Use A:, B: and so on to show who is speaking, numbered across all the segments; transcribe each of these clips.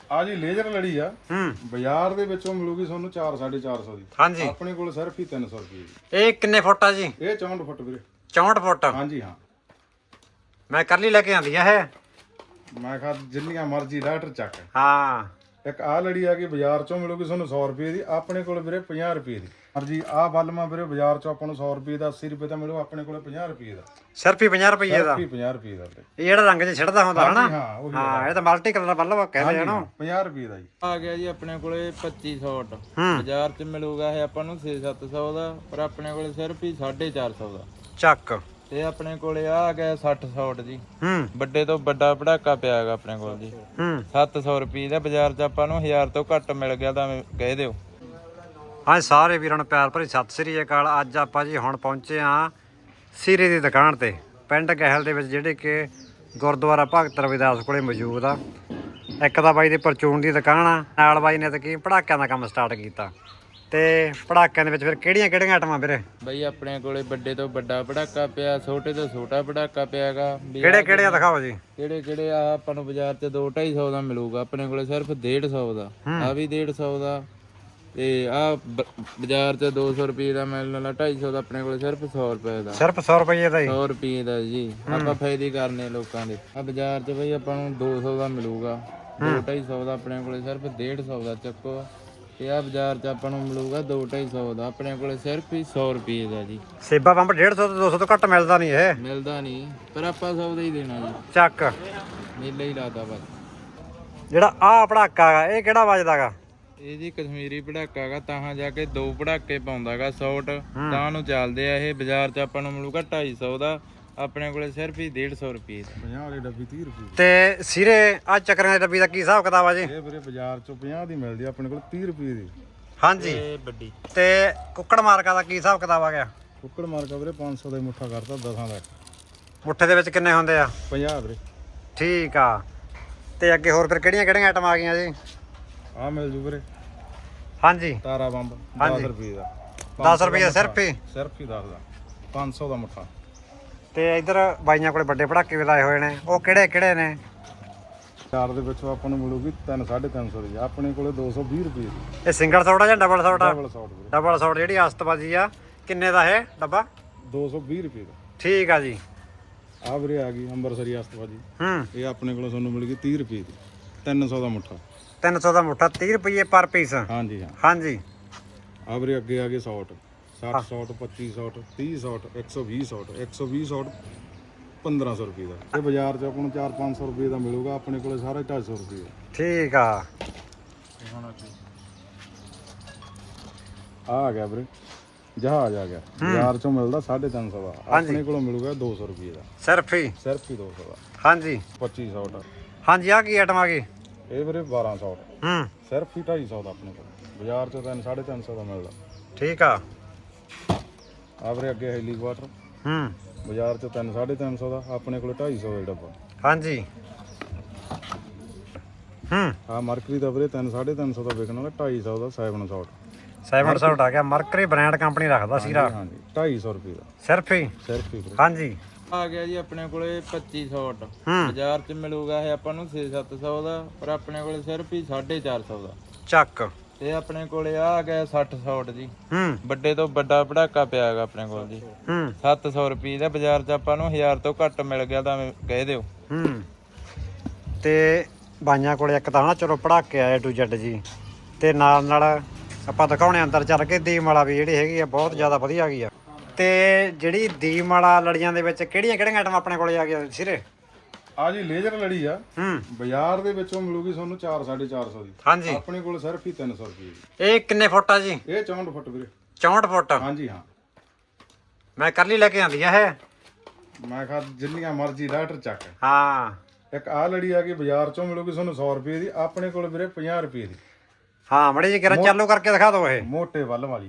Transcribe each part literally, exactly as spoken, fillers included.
A: ਆ ਜੀ ਲੇਜ਼ਰ ਲੜੀ ਆ
B: ਹੂੰ
A: ਬਾਜ਼ਾਰ ਦੇ ਵਿੱਚੋਂ ਮਿਲੂਗੀ ਤੁਹਾਨੂੰ ਚਾਰ ਸਾਢੇ ਚਾਰ ਸੌ ਦੀ।
B: ਹਾਂਜੀ
A: ਆਪਣੇ ਕੋਲ ਸਿਰਫ ਹੀ ਤਿੰਨ ਸੌ ਰੁਪਏ ਦੀ।
B: ਇਹ ਕਿੰਨੇ ਫੁੱਟ ਆ ਜੀ?
A: ਇਹ ਚੌਂਹਠ ਫੁੱਟ ਵੀਰੇ।
B: ਚੌਂਹਠ ਫੁੱਟ?
A: ਹਾਂਜੀ ਹਾਂ।
B: ਮੈਂ ਕੱਲੀ ਲੈ ਕੇ ਆਂਦੀ ਆ ਇਹ।
A: ਮੈਂ ਕਿਹਾ ਜਿੰਨੀਆਂ ਮਰਜ਼ੀ ਡਾਕਟਰ ਚੱਕ।
B: ਹਾਂ
A: ਇੱਕ ਆ ਲੜੀ ਆ ਗਈ ਬਾਜ਼ਾਰ ਚੋਂ ਮਿਲੂਗੀ ਤੁਹਾਨੂੰ ਸੌ ਰੁਪਏ ਦੀ, ਆਪਣੇ ਕੋਲ ਵੀਰੇ ਪੰਜਾਹ ਰੁਪਏ ਦੀ। ਮਰਜੀ ਆ ਬਲਮਾ ਵੀਰੇ ਬਾਜ਼ਾਰ ਚੋਂ ਆਪਾਂ ਨੂੰ ਸੌ ਰੁਪਏ ਦਾ ਅੱਸੀ ਰੁਪਏ ਦਾ ਮਿਲੂ, ਆਪਣੇ ਕੋਲ ਪੰਜਾਹ ਰੁਪਏ ਦਾ।
B: ਸਿਰਫ ਹੀ ਪੰਜਾਹ ਰੁਪਏ ਦਾ?
A: ਸਿਰਫ ਹੀ ਪੰਜਾਹ ਰੁਪਏ ਦਾ।
B: ਇਹ ਜਿਹੜਾ ਰੰਗ ਚ ਛਿੜਦਾ ਹੁੰਦਾ ਹਨਾ?
A: ਹਾਂ ਉਹੀ।
B: ਹਾਂ ਇਹ ਤਾਂ ਮਲਟੀ ਕਲਰ ਬੱਲਬ ਕਹਿੰਦੇ ਹਨ।
A: ਪੰਜਾਹ ਰੁਪਏ ਦਾ ਜੀ
C: ਆ ਗਿਆ ਜੀ ਆਪਣੇ ਕੋਲੇ ਪੱਚੀ ਸੌ ਟ। ਬਾਜ਼ਾਰ 'ਚ ਮਿਲੂਗਾ ਇਹ ਆਪਾਂ ਨੂੰ ਛੇ ਸੱਤ ਸੌ ਦਾ, ਪਰ ਆਪਣੇ ਕੋਲੇ ਸਿਰਫ ਹੀ ਸਾਢੇ ਚਾਰ ਸੌ ਦਾ
B: ਚੱਕ।
C: ਤੇ ਆਪਣੇ ਕੋਲੇ ਆ ਗਿਆ ਸੱਠ ਸੌ ਟ ਜੀ।
B: ਹੂੰ
C: ਵੱਡੇ ਤੋਂ ਵੱਡਾ ਪੜਾਕਾ ਪਿਆ ਹੈਗਾ ਆਪਣੇ ਕੋਲ ਜੀ।
B: ਹੂੰ
C: ਸੱਤ ਸੌ ਰੁਪਏ ਦਾ। ਬਾਜ਼ਾਰ 'ਚ ਆਪਾਂ ਨੂੰ ਹਜ਼ਾਰ ਤੋਂ ਘੱਟ ਮਿਲ ਗਿਆ ਤਾਂ ਕਹਿ ਦਿਓ।
B: ਹਾਂ ਸਾਰੇ ਵੀਰਾਂ ਨੂੰ ਪਿਆਰ ਭਰੀ ਸਤਿ ਸ੍ਰੀ ਅਕਾਲ। ਅੱਜ ਆਪਾਂ ਜੀ ਹੁਣ ਪਹੁੰਚੇ ਆ ਸੀਰੇ ਦੀ ਦੁਕਾਨ ਤੇ ਪਿੰਡ ਗਹਿਲ ਦੇ ਵਿੱਚ, ਜਿਹੜੇ ਕਿ ਗੁਰਦੁਆਰਾ ਭਗਤ ਰਵਿਦਾਸ ਕੋਲੇ ਮੌਜੂਦ ਆ। ਇੱਕ ਤਾਂ ਬਾਈ ਦੀ ਪਰਚੂਨ ਦੀ ਦੁਕਾਨ ਆ, ਨਾਲ ਬਾਈ ਨੇ ਤਾਂ ਕੀ ਪੜਾਕਿਆਂ ਦਾ ਕੰਮ ਸਟਾਰਟ ਕੀਤਾ। ਤੇ ਪੜਾਕਿਆਂ ਦੇ ਵਿੱਚ ਫਿਰ ਕਿਹੜੀਆਂ ਕਿਹੜੀਆਂ ਆਈਟਮਾਂ ਵੀਰੇ?
C: ਬਈ ਆਪਣੇ ਕੋਲੇ ਵੱਡੇ ਤੋਂ ਵੱਡਾ ਪੜਾਕਾ ਪਿਆ, ਛੋਟੇ ਤੋਂ ਛੋਟਾ ਪੜਾਕਾ ਪਿਆਗਾ।
B: ਕਿਹੜੇ ਕਿਹੜੇ ਆ ਦਿਖਾਓ ਜੀ।
C: ਕਿਹੜੇ ਕਿਹੜੇ ਆ ਆਪਾਂ ਨੂੰ ਬਾਜ਼ਾਰ 'ਚ ਦੋ ਢਾਈ ਸੌ ਦਾ ਮਿਲੂਗਾ, ਆਪਣੇ ਕੋਲੇ ਸਿਰਫ ਡੇਢ ਸੌ ਦਾ। ਆ ਵੀ ਡੇਢ ਸੌ ਦਾ। ਤੇ ਆ ਬਾਜ਼ਾਰ 'ਚ ਦੋ ਸੌ ਰੁਪਏ ਦਾ ਮਿਲਣ ਵਾਲਾ, ਢਾਈ ਸੌ ਦਾ, ਆਪਣੇ ਕੋਲੇ ਸਿਰਫ ਸੌ ਰੁਪਏ ਦਾ।
B: ਸਿਰਫ ਸੌ ਰੁਪਏ ਦਾ ਹੀ?
C: ਸੌ ਰੁਪਏ ਦਾ ਜੀ। ਆਪਾਂ ਫਾਇਦੇ ਕਰਨੇ ਲੋਕਾਂ ਦੇ। ਆ ਬਾਜ਼ਾਰ 'ਚ ਬਈ ਆਪਾਂ ਨੂੰ ਦੋ ਸੌ ਦਾ ਮਿਲੂਗਾ, ਦੋ ਢਾਈ ਸੌ ਦਾ, ਆਪਣੇ ਕੋਲੇ ਸਿਰਫ ਡੇਢ ਸੌ ਦਾ ਚੱਕੋ। ਤੇ ਆ ਬਾਜ਼ਾਰ 'ਚ ਆਪਾਂ ਨੂੰ ਮਿਲੂਗਾ ਦੋ ਢਾਈ ਸੌ ਦਾ, ਆਪਣੇ ਕੋਲੇ ਸਿਰਫ ਹੀ ਸੌ ਰੁਪਏ ਦਾ ਜੀ।
B: ਸੇਬਾ ਪੰਪ ਡੇਢ ਸੌ ਤੋਂ ਦੋ ਸੌ ਤੋਂ ਘੱਟ ਮਿਲਦਾ ਨਹੀਂ ਇਹ?
C: ਮਿਲਦਾ ਨਹੀਂ, ਪਰ ਆਪਾਂ ਸੌ ਦਾ ਹੀ ਦੇਣਾ ਜੀ।
B: ਚੱਕ।
C: ਮੇਲਾ ਹੀ ਲਾਦਾ ਬਸ।
B: ਜਿਹੜਾ ਆ ਪੜਾਕਾ ਗਾ ਇਹ ਕਿਹੜਾ ਵੱਜਦਾਗਾ?
C: ਇਹ ਜੀ ਕਸ਼ਮੀਰੀ ਪੜਾਕਾ ਗਾ, ਤਾਂ ਜਾ ਕੇ ਦੋ ਪੜਾਕੇ ਪਾਉਂਦਾਗਾ ਸੌਟ ਤਾਂ ਨੂੰ ਚੱਲਦੇ ਆ ਇਹ। ਬਾਜ਼ਾਰ 'ਚ ਆਪਾਂ ਨੂੰ ਮਿਲੂਗਾ ਢਾਈ ਸੌ ਦਾ, ਆਪਣੇ ਕੋਲੇ ਸਿਰਫ ਹੀ ਡੇਢ ਸੌ ਰੁਪਏ ਦਾ।
A: ਪੰਜਾਹ ਵਾਲੀ ਡੱਬੀ ਤੀਹ ਰੁਪਏ।
B: ਤੇ ਸਿਰੇ ਆ ਚੱਕਰਾਂ ਦੀ ਡੱਬੀ ਦਾ ਕੀ ਹਿਸਾਬ ਕਿਤਾਬ ਆ ਜੀ?
A: ਇਹ ਵੀਰੇ ਬਾਜ਼ਾਰ ਚੋਂ ਪੰਜਾਹ ਦੀ ਮਿਲਦੀ ਆ, ਆਪਣੇ ਕੋਲ ਤੀਹ ਰੁਪਏ ਦੀ।
B: ਹਾਂਜੀ।
C: ਇਹ ਵੱਡੀ।
B: ਤੇ ਕੁੱਕੜ ਮਾਰਕਾ ਦਾ ਕੀ ਹਿਸਾਬ ਕਿਤਾਬ ਆ ਗਿਆ?
A: ਕੁੱਕੜ ਮਾਰਕਾ ਵੀਰੇ ਪੰਜ ਸੌ ਦਾ ਹੀ ਮੁੱਠਾ ਕਰਤਾ, ਦਸਾਂ ਦਾ।
B: ਮੁੱਠੇ ਦੇ ਵਿੱਚ ਕਿੰਨੇ ਹੁੰਦੇ ਆ?
A: ਪੰਜਾਹ ਵੀਰੇ।
B: ਠੀਕ ਆ। ਤੇ ਅੱਗੇ ਹੋਰ ਫਿਰ ਕਿਹੜੀਆਂ ਕਿਹੜੀਆਂ ਆਈਟਮਾਂ ਆ ਗਈਆਂ ਜੀ?
A: ਆ ਮਿਲ ਜੂ ਵੀਰੇ
B: ਹਾਂਜੀ
A: ਤਾਰਾ ਬੰਬ ਦਸ ਰੁਪਏ ਦਾ।
B: ਦਸ ਰੁਪਏ ਸਿਰਫ ਹੀ?
A: ਸਿਰਫ ਹੀ ਦਸ ਦਾ, ਪੰਜ ਸੌ ਦਾ ਮੁੱਠਾ।
B: ਤੇ ਇੱਧਰ ਬਾਈਆਂ ਕੋਲੇ ਵੱਡੇ ਪੜਾਕੇ ਵੀ ਲਾਏ ਹੋਏ ਨੇ, ਉਹ ਕਿਹੜੇ ਕਿਹੜੇ ਨੇ?
A: ਚਾਰ ਦੇ ਵਿੱਚੋਂ ਆਪਾਂ ਨੂੰ ਮਿਲੂਗੀ ਤਿੰਨ ਸਾਢੇ ਤਿੰਨ ਸੌ ਦੀ, ਆਪਣੇ ਕੋਲੇ ਦੋ ਸੌ ਵੀਹ ਰੁਪਏ ਦੀ।
B: ਇਹ ਸਿੰਗਲ ਸੌਟ ਆ ਜਾਂ ਡਬਲ ਸੌਟ ਆ?
A: ਡਬਲ ਸੌਟ ਵੀਰੇ।
B: ਡਬਲ ਸੌਟ ਜਿਹੜੀ ਆਸਤਬਾਜੀ ਆ, ਕਿੰਨੇ ਦਾ ਇਹ ਡੱਬਾ?
A: ਦੋ ਸੌ ਵੀਹ ਰੁਪਏ ਦਾ।
B: ਠੀਕ ਆ ਜੀ।
A: ਆ ਵੀਰੇ ਆ ਗਈ ਅੰਬਰਸਰੀ ਆਸਤਬਾਜੀ।
B: ਹੂੰ
A: ਇਹ ਆਪਣੇ ਕੋਲੋਂ ਤੁਹਾਨੂੰ ਮਿਲੂਗੀ ਤੀਹ ਰੁਪਏ ਦੀ, ਤਿੰਨ ਸੌ ਦਾ ਮੁੱਠਾ।
B: ਤਿੰਨ ਸੌ ਦਾ ਮੁੱਠਾ, ਤੀਹ ਰੁਪਏ ਪਰ ਪੀਸ?
A: ਹਾਂਜੀ ਹਾਂ।
B: ਹਾਂਜੀ।
A: ਆ ਵੀਰੇ ਅੱਗੇ ਆ ਗਏ ਸੌਟ, ਸੱਠ ਸੌਟ, ਪੱਚੀ ਸੌਟ, ਤੀਹ ਸੌਟ, ਇੱਕ ਸੌ ਵੀਹ ਸੌਟ, ਇੱਕ ਸੌ ਵੀਹ ਸੌਟ ਪੰਦਰਾਂ ਸੌ ਰੁਪਏ ਦਾ। ਇਹ ਬਾਜ਼ਾਰ 'ਚ ਆਪਾਂ ਨੂੰ ਚਾਰ ਪੰਜ ਸੌ ਰੁਪਏ ਦਾ ਮਿਲੂਗਾ, ਆਪਣੇ ਕੋਲੇ ਸਾਰਾ ਢਾਈ ਸੌ ਰੁਪਏ ਦਾ।
B: ਠੀਕ ਆ।
A: ਆ ਗਿਆ ਵੀਰੇ ਜਹਾਜ਼ ਆ ਗਿਆ, ਬਾਜ਼ਾਰ 'ਚੋਂ ਮਿਲਦਾ ਸਾਢੇ ਤਿੰਨ ਸੌ ਦਾ, ਆਪਣੇ ਕੋਲੋਂ ਮਿਲੂਗਾ ਦੋ ਸੌ ਰੁਪਏ ਦਾ।
B: ਸਿਰਫ ਹੀ?
A: ਸਿਰਫ ਹੀ ਦੋ ਸੌ ਦਾ।
B: ਹਾਂਜੀ।
A: ਪੱਚੀ ਸੌਟ।
B: ਹਾਂਜੀ। ਆ ਕੀ ਆਈਟਮ ਆ ਗਈ?
A: ਇਹ ਵੀਰੇ ਬਾਰਾਂ ਸੌ।
B: ਹੂੰ
A: ਸਿਰਫ ਹੀ ਢਾਈ ਸੌ ਦਾ, ਆਪਣੇ ਕੋਲ ਬਾਜ਼ਾਰ 'ਚ ਤਿੰਨ ਸਾਢੇ ਤਿੰਨ ਸੌ ਦਾ ਮਿਲਦਾ।
B: ਠੀਕ ਆ।
A: ਆ ਵੀਰੇ ਅੱਗੇ ਹੈਲੀਕਾਪਟਰ,
B: ਹੂੰ
A: ਬਾਜ਼ਾਰ 'ਚ ਤਿੰਨ ਸਾਢੇ ਤਿੰਨ ਸੌ ਦਾ, ਆਪਣੇ ਕੋਲ ਢਾਈ ਸੌ ਦਾ ਡੱਬਾ।
B: ਹਾਂਜੀ। ਹੂੰ
A: ਆ ਮਰਕਰੀ ਦਾ ਵੀਰੇ ਤਿੰਨ ਸਾਢੇ ਤਿੰਨ ਸੌ ਦਾ ਵਿਕਣ ਵਾਲਾ, ਢਾਈ ਸੌ ਦਾ ਸੈਵਨ ਸੌਟ।
B: ਸੈਵਨ ਸੌਟ ਆ ਗਿਆ। ਮਰਕਰੀ ਬ੍ਰਾਂਡ ਕੰਪਨੀ ਰੱਖਦਾ ਸੀਰਾ।
A: ਹਾਂਜੀ ਢਾਈ ਸੌ ਰੁਪਏ ਦਾ।
B: ਸਿਰਫ ਹੀ?
A: ਸਿਰਫ ਹੀ ਵੀਰੇ।
B: ਹਾਂਜੀ।
C: ਆ ਗਿਆ ਜੀ ਆਪਣੇ ਕੋਲੇ ਪੱਚੀ ਸੌ ਟ।
B: ਹੂੰ
C: ਬਾਜ਼ਾਰ 'ਚ ਮਿਲੂਗਾ ਇਹ ਆਪਾਂ ਨੂੰ ਛੇ ਸੱਤ ਸੌ ਦਾ, ਪਰ ਆਪਣੇ ਕੋਲੇ ਸਿਰਫ ਹੀ ਸਾਢੇ ਚਾਰ ਸੌ ਦਾ
B: ਚੱਕ।
C: ਤੇ ਆਪਣੇ ਕੋਲੇ ਆ ਗਿਆ ਸੱਠ ਸੌ ਟ ਜੀ।
B: ਹੂੰ
C: ਵੱਡੇ ਤੋਂ ਵੱਡਾ ਪੜਾਕਾ ਪਿਆ ਹੈਗਾ ਆਪਣੇ ਕੋਲ ਜੀ।
B: ਹੂੰ
C: ਸੱਤ ਸੌ ਰੁਪਏ ਦਾ। ਬਾਜ਼ਾਰ 'ਚ ਆਪਾਂ ਨੂੰ ਹਜ਼ਾਰ ਤੋਂ ਘੱਟ ਮਿਲ ਗਿਆ ਤਾਂ ਕਹਿ ਦਿਓ।
B: ਹੂੰ ਤੇ ਬਾਈਆਂ ਕੋਲੇ ਇੱਕ ਤਾਂ ਨਾ ਚਲੋ ਪੜਾਕੇ ਆਏ ਟੂ ਜੈਡ ਜੀ, ਤੇ ਨਾਲ ਨਾਲ ਆਪਾਂ ਦਿਖਾਉਣੇ ਅੰਦਰ ਚੱਲ ਕੇ ਦੀਮ ਵਾਲਾ ਵੀ ਜਿਹੜੀ ਹੈਗੀ ਆ ਬਹੁਤ ਜ਼ਿਆਦਾ ਵਧੀਆ ਹੈਗੀ ਆ। ਤੇ ਜਿਹੜੀ ਦੀਮ ਵਾਲਾ ਲੜੀਆਂ ਦੇ ਵਿੱਚ ਕਿਹੜੀਆਂ ਕਿਹੜੀਆਂ ਆਈਟਮਾਂ ਆਪਣੇ ਕੋਲੇ ਆ ਗਈਆਂ ਸਿਰੇ?
A: ਆ ਜੀ ਲੇਜ਼ਰ ਲੜੀ ਆ,
B: ਹੂੰ
A: ਬਾਜ਼ਾਰ ਦੇ ਵਿੱਚੋਂ ਮਿਲੂਗੀ ਤੁਹਾਨੂੰ ਚਾਰ ਸਾਢੇ ਚਾਰ ਸੌ ਦੀ।
B: ਹਾਂਜੀ।
A: ਆਪਣੇ ਕੋਲ ਸਿਰਫ ਹੀ ਤਿੰਨ ਸੌ ਰੁਪਏ ਦੀ।
B: ਇਹ ਕਿੰਨੇ ਫੁੱਟ ਆ ਜੀ?
A: ਇਹ ਚੌਂਹਠ ਫੁੱਟ ਵੀਰੇ।
B: ਚੌਂਹਠ ਫੁੱਟ?
A: ਹਾਂਜੀ ਹਾਂ।
B: ਮੈਂ ਕੱਲੀ ਲੈ ਕੇ ਆਂਦੀ ਆ ਇਹ।
A: ਮੈਂ ਕਿਹਾ ਜਿੰਨੀਆਂ ਮਰਜ਼ੀ ਡਾਕਟਰ ਚੱਕ।
B: ਹਾਂ।
A: ਇੱਕ ਆ ਲੜੀ ਆ ਗਈ ਬਾਜ਼ਾਰ ਚੋਂ ਮਿਲੂਗੀ ਤੁਹਾਨੂੰ ਸੌ ਰੁਪਏ ਦੀ, ਆਪਣੇ ਕੋਲ ਵੀਰੇ ਪੰਜਾਹ ਰੁਪਏ ਦੀ।
B: ਹਾਂ ਮੜੀ ਜੀ ਕਿਰਨ ਚਾਲੂ ਕਰਕੇ ਦਿਖਾ ਦਿਓ ਇਹ।
A: ਮੋਟੇ ਵੱਲ ਵਾਲੀ।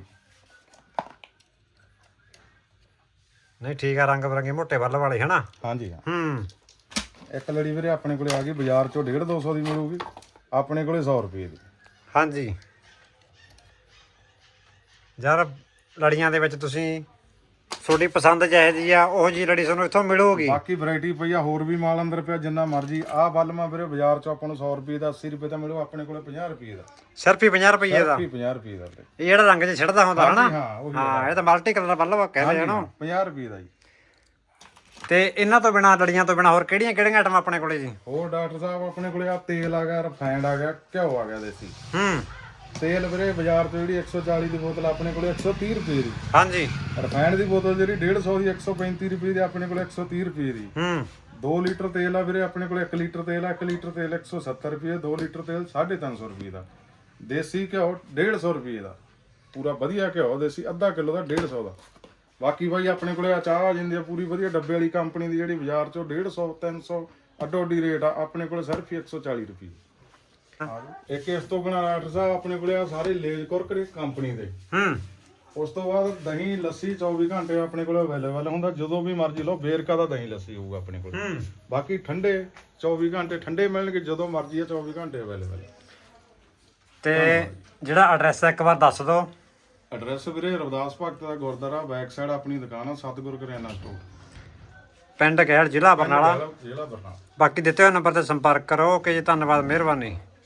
B: ਨਹੀਂ ਠੀਕ ਆ, ਰੰਗ ਬਰੰਗੇ ਮੋਟੇ ਵੱਲ ਵਾਲੇ ਹਨਾ?
A: ਹਾਂਜੀ ਹਾਂ।
B: ਹੂੰ
A: ਇੱਕ ਲੜੀ ਵੀਰੇ ਆਪਣੇ ਕੋਲੇ ਆ ਗਈ ਬਾਜ਼ਾਰ ਚੋਂ ਡੇਢ ਦੋ ਸੌ ਦੀ ਮਿਲੂਗੀ, ਆਪਣੇ ਕੋਲੇ ਸੌ ਰੁਪਏ ਦੀ।
B: ਹਾਂਜੀ। ਯਾਰ ਲੜੀਆਂ ਦੇ ਵਿੱਚ ਤੁਸੀਂ ਤੁਹਾਡੀ ਪਸੰਦ ਜਿਹੇ ਜੀ ਆ ਉਹ ਜੀ ਲੜੀ ਤੁਹਾਨੂੰ ਇੱਥੋਂ ਮਿਲੂਗੀ।
A: ਬਾਕੀ ਵੈਰਾਈਟੀ ਪਈ ਆ, ਹੋਰ ਵੀ ਮਾਲ ਅੰਦਰ ਪਿਆ ਜਿੰਨਾ ਮਰਜੀ। ਆਹ ਬਲਮਾ ਵੀਰੇ ਬਾਜ਼ਾਰ ਚੋਂ ਆਪਾਂ ਨੂੰ ਸੌ ਰੁਪਏ ਦਾ ਅੱਸੀ ਰੁਪਏ ਦਾ ਮਿਲੂ, ਆਪਣੇ ਕੋਲੇ ਪੰਜਾਹ ਰੁਪਏ ਦਾ,
B: ਸਿਰਫ ਹੀ ਪੰਜਾਹ ਰੁਪਏ ਦਾ।
A: ਸਿਰਫ ਹੀ ਪੰਜਾਹ ਰੁਪਏ ਦਾ ਵੀਰੇ।
B: ਇਹ ਜਿਹੜਾ ਰੰਗ 'ਚ ਛਿੜਦਾ ਹੁੰਦਾ ਹਨਾ,
A: ਹਾਂ ਉਹੀ
B: ਹਾਂ ਇਹ ਤਾਂ ਮਲਟੀ ਕਲਰ ਬੱਲਬ ਕਹਿੰਦੇ ਹਨ।
A: ਪੰਜਾਹ ਰੁਪਏ ਦਾ ਜੀ।
B: ਤੇ ਇਹਨਾਂ ਤੋਂ ਬਿਨਾ ਲੜੀਆਂ ਤੋਂ ਬਿਨਾ ਹੋਰ ਕਿਹੜੀਆਂ ਕਿਹੜੀਆਂ ਆਈਟਮਾਂ ਆਪਣੇ ਕੋਲੇ ਜੀ?
A: ਹੋਰ ਡਾਕਟਰ ਸਾਹਿਬ ਆਪਣੇ ਕੋਲੇ ਆ ਤੇਲ ਆ ਗਿਆ, ਰਿਫਾਈਂਡ ਆ ਗਿਆ, ਘਿਓ ਆ ਗਿਆ ਦੇਸੀ।
B: ਹੂੰ
A: ਤੇਲ ਵੀਰੇ ਬਾਜ਼ਾਰ ਤੋਂ ਜਿਹੜੀ ਇੱਕ ਸੌ ਚਾਲੀ ਦੀ ਬੋਤਲ ਆਪਣੇ ਕੋਲੇ ਇੱਕ ਸੌ ਤੀਹ ਰੁਪਏ ਦੀ।
B: ਹਾਂਜੀ।
A: ਰਿਫਾਈਂਡ ਦੀ ਬੋਤਲ ਜਿਹੜੀ ਡੇਢ ਸੌ ਦੀ ਇੱਕ ਸੌ ਪੈਂਤੀ ਰੁਪਏ ਦੀ, ਆਪਣੇ ਕੋਲੇ ਇੱਕ ਸੌ ਤੀਹ ਰੁਪਏ ਦੀ।
B: ਹੂੰ
A: ਦੋ ਲੀਟਰ ਤੇਲ ਆ ਵੀਰੇ ਆਪਣੇ ਕੋਲੇ, ਇੱਕ ਲੀਟਰ ਤੇਲ ਆ, ਇੱਕ ਲੀਟਰ ਤੇਲ ਇੱਕ ਸੌ ਸੱਤਰ ਰੁਪਏ, ਦੋ ਲੀਟਰ ਤੇਲ ਸਾਢੇ ਤਿੰਨ ਸੌ ਰੁਪਏ ਦਾ। ਦੇਸੀ ਘਿਓ ਡੇਢ ਸੌ ਰੁਪਏ ਦਾ, ਪੂਰਾ ਵਧੀਆ ਘਿਓ ਦੇਸੀ ਅੱਧਾ ਕਿਲੋ ਦਾ ਡੇਢ ਸੌ ਦਾ। ਬਾਕੀ ਬਾਈ ਆਪਣੇ ਕੋਲੇ ਆ ਚਾਹ ਆ ਜਾਂਦੀ ਆ ਪੂਰੀ ਵਧੀਆ ਡੱਬੇ ਵਾਲੀ ਕੰਪਨੀ ਦੀ, ਜਿਹੜੀ ਬਾਜ਼ਾਰ ਚੋਂ ਡੇਢ ਸੌ ਤਿੰਨ ਸੌ ਅੱਡੋ ਅੱਡੀ ਰੇਟ ਆ, ਆਪਣੇ ਕੋਲੇ ਸਿਰਫ ਇੱਕ ਸੌ ਚਾਲੀ ਰੁਪਏ। ਇੱਕ ਇਸ ਤੋਂ ਬਿਨਾਂ ਡਾਕਟਰ ਸਾਹਿਬ ਆਪਣੇ ਕੋਲੇ ਆ ਸਾਰੇ ਲੇਜ ਕੁਰਕਰੇ ਕੰਪਨੀ ਦੇ।
B: ਹੂੰ
A: ਉਸ ਤੋਂ ਬਾਅਦ ਦਹੀਂ ਲੱਸੀ ਚੌਵੀ ਘੰਟੇ ਆਪਣੇ ਕੋਲ ਅਵੇਲੇਬਲ ਹੁੰਦਾ, ਜਦੋਂ ਵੀ ਮਰਜ਼ੀ ਲਓ। ਵੇਰਕਾ ਦਾ ਦਹੀਂ ਲੱਸੀ ਹੋਊਗਾ ਆਪਣੇ ਕੋਲ।
B: ਹੂੰ
A: ਬਾਕੀ ਠੰਡੇ ਚੌਵੀ ਘੰਟੇ ਠੰਡੇ ਮਿਲਣਗੇ, ਜਦੋਂ ਮਰਜ਼ੀ ਆ ਚੌਵੀ ਘੰਟੇ ਅਵੇਲੇਬਲ।
B: ਤੇ ਜਿਹੜਾ ਐਡਰੈਸ ਹੈ ਇੱਕ ਵਾਰ ਦੱਸ ਦਿਓ।
A: ਐਡਰੈਸ ਵੀਰੇ ਰਵਿਦਾਸ ਭਗਤ ਦਾ ਗੁਰਦੁਆਰਾ, ਬੈਕ ਸਾਈਡ ਆਪਣੀ ਦੁਕਾਨ ਆ ਸਤਿਗੁਰ ਕਰਿਆਨਾ ਸਟੋਰ,
B: ਪਿੰਡ ਗਹਿਲ ਜ਼ਿਲ੍ਹਾ ਬਰਨਾਲਾ।
A: ਜ਼ਿਲ੍ਹਾ ਬਰਨਾਲਾ।
B: ਬਾਕੀ ਦਿੱਤੇ ਹੋਏ ਨੰਬਰ ਤੇ ਸੰਪਰਕ ਕਰੋ। ਓਕੇ ਜੀ, ਧੰਨਵਾਦ, ਮਿਹਰਬਾਨੀ।